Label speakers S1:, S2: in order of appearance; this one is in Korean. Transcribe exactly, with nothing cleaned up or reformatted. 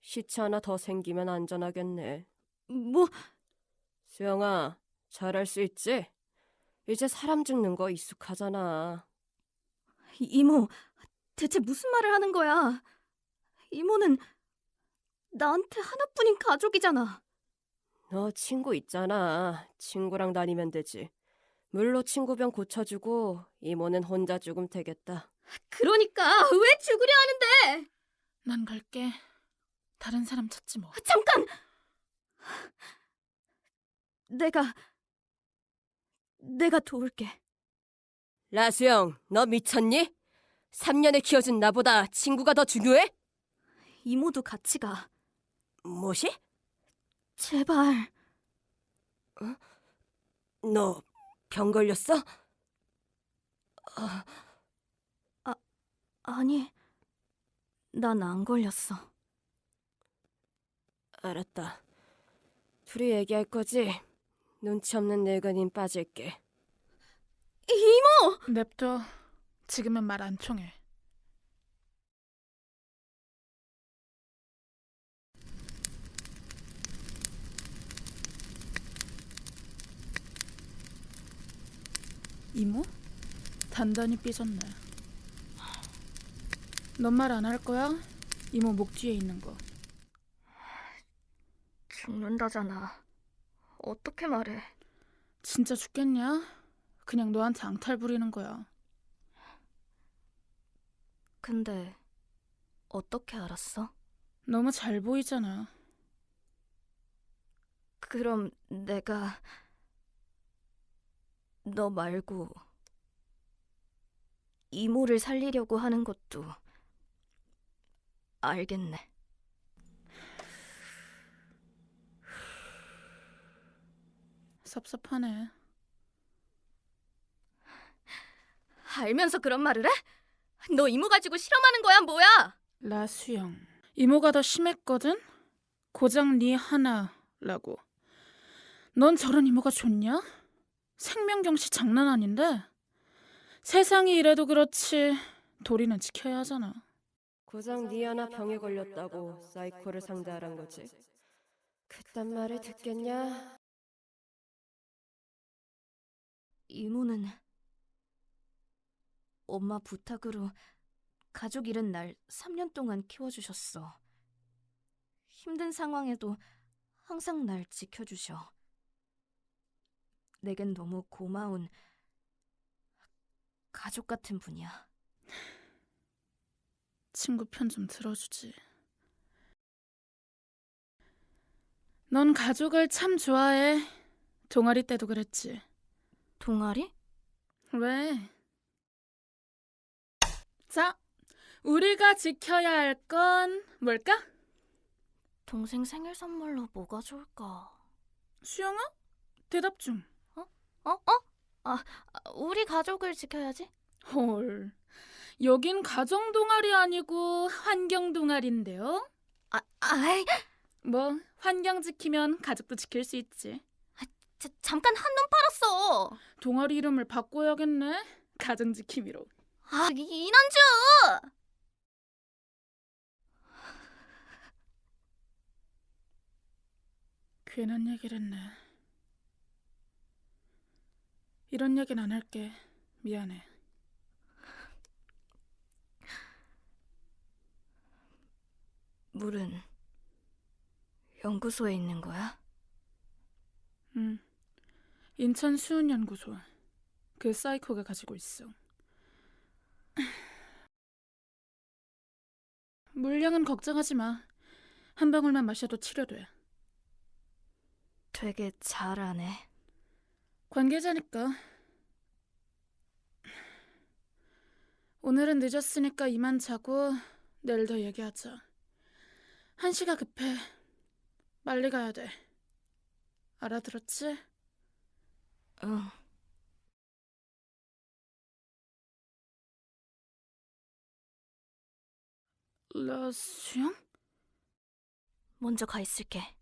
S1: 시체 하나 더 생기면 안전하겠네.
S2: 뭐,
S1: 수영아, 잘할 수 있지? 이제 사람 죽는 거 익숙하잖아.
S2: 이모, 대체 무슨 말을 하는 거야? 이모는 나한테 하나뿐인 가족이잖아.
S1: 너 친구 있잖아. 친구랑 다니면 되지. 물로 친구병 고쳐주고 이모는 혼자 죽으면 되겠다.
S2: 그러니까 왜 죽으려 하는데?
S3: 난 갈게. 다른 사람 찾지 뭐.
S2: 잠깐! 내가, 내가 도울게.
S1: 라수영, 너 미쳤니? 삼 년을 키워준 나보다 친구가 더 중요해?
S2: 이모도 같이 가.
S1: 뭐시?
S2: 제발.
S1: 너 병 걸렸어?
S2: 아니, 난 안 걸렸어.
S1: 알았다. 둘이 얘기할 거지? 눈치 없는 늙은인 빠질게.
S2: 이모!
S3: 냅둬. 지금은 말 안 통해. 이모? 단단히 삐졌네. 넌 말 안 할 거야? 이모 목 뒤에 있는 거.
S2: 죽는다잖아. 어떻게 말해?
S3: 진짜 죽겠냐? 그냥 너한테 앙탈 부리는 거야.
S2: 근데 어떻게 알았어?
S3: 너무 잘 보이잖아.
S2: 그럼 내가 너 말고 이모를 살리려고 하는 것도 알겠네.
S3: 섭섭하네.
S2: 알면서 그런 말을 해? 너 이모 가지고 실험하는 거야, 뭐야?
S3: 라수영. 이모가 더 심했거든? 고작 네 하나라고. 넌 저런 이모가 좋냐? 생명경시 장난 아닌데? 세상이 이래도 그렇지 도리는 지켜야 하잖아.
S1: 고작 니 하나 병에 걸렸다고 사이코를 상대하란 거지. 그딴 말을 듣겠냐?
S2: 이모는 엄마 부탁으로 가족 잃은 날 삼 년 동안 키워주셨어. 힘든 상황에도 항상 날 지켜주셔. 내겐 너무 고마운 가족 같은 분이야.
S3: 친구 편 좀 들어주지. 넌 가족을 참 좋아해. 동아리 때도 그랬지.
S2: 동아리?
S3: 왜? 자, 우리가 지켜야 할 건 뭘까?
S2: 동생 생일 선물로 뭐가 좋을까?
S3: 수영아? 대답 좀.
S2: 어? 어? 아, 우리 가족을 지켜야지.
S3: 헐. 여긴 가정 동아리 아니고 환경 동아리인데요?
S2: 아, 아이,
S3: 뭐 환경 지키면 가족도 지킬 수 있지.
S2: 자, 잠깐 한눈 팔았어.
S3: 동아리 이름을 바꿔야겠네. 가정 지킴이로.
S2: 아, 이, 이난주!
S3: 괜한 얘기를 했네. 이런 얘기는 안 할게. 미안해.
S2: 물은 연구소에 있는 거야?
S3: 응. 인천 수은연구소. 그 사이코가 가지고 있어. 물량은 걱정하지 마. 한 방울만 마셔도 치료돼.
S2: 되게 잘하네.
S3: 관계자니까. 오늘은 늦었으니까 이만 자고 내일 더 얘기하자. 한시가 급해. 빨리 가야 돼. 알아들었지?
S2: 응.
S3: 라수영?
S2: 먼저 가 있을게.